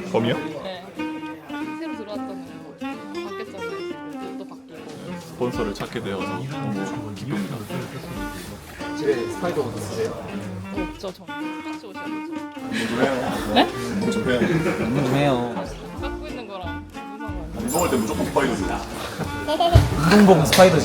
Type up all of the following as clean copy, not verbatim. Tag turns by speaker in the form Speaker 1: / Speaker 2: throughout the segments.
Speaker 1: 범이요?
Speaker 2: 네. 새로 들어왔잖아요. 바뀌었잖아요. 지금 또 바뀌고.
Speaker 1: 스폰서를 찾게 되어서 너무 기쁩니다.
Speaker 3: 집에 스파이더 옷 있으세요?
Speaker 2: 없죠, 저. 똑같이 옷이 없죠.
Speaker 1: 네? 좀 해요.
Speaker 4: 운동 좀 해요.
Speaker 2: 갖고 있는 거랑 무슨 상관이에요?
Speaker 1: 운동할 때 무조건 스파이더지.
Speaker 4: 운동복 스파이더지.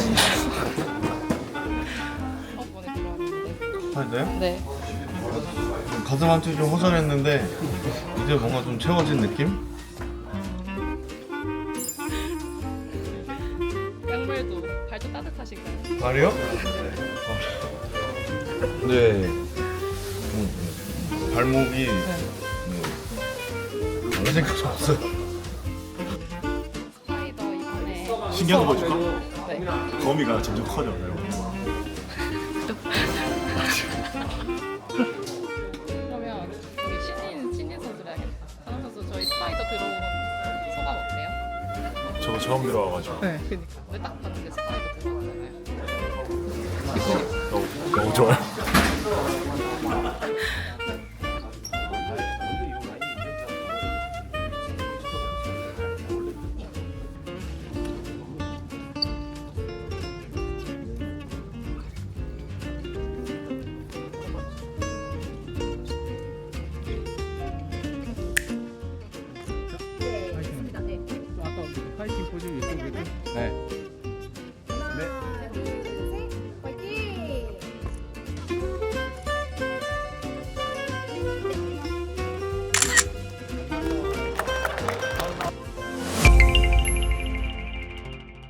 Speaker 2: 학원에 들어왔는데.
Speaker 5: 스파이더요?
Speaker 2: 네.
Speaker 5: 가슴 한쪽이 좀 허전했는데 이제 뭔가 좀 채워진 느낌?
Speaker 2: 양말도 발도 따뜻하신가요?
Speaker 5: 말이요? 네. 발목이 다른 생각이 없어요.
Speaker 2: 스파이더 이번에.
Speaker 1: 신기한 거 보여줄까?
Speaker 2: 네.
Speaker 1: 범이가 점점 커져요.
Speaker 2: 그러면 여기 신인 선수라야겠다. 선우 선수 저희 스파이더 들어온 소감 어때요?
Speaker 1: 저 처음 들어와가지고
Speaker 2: 네. 그니까. 근데 딱 봤는데 스파이더 들어가잖아요.
Speaker 1: 너무 좋아요.
Speaker 6: 파이팅 포즈 유튜브에도 네.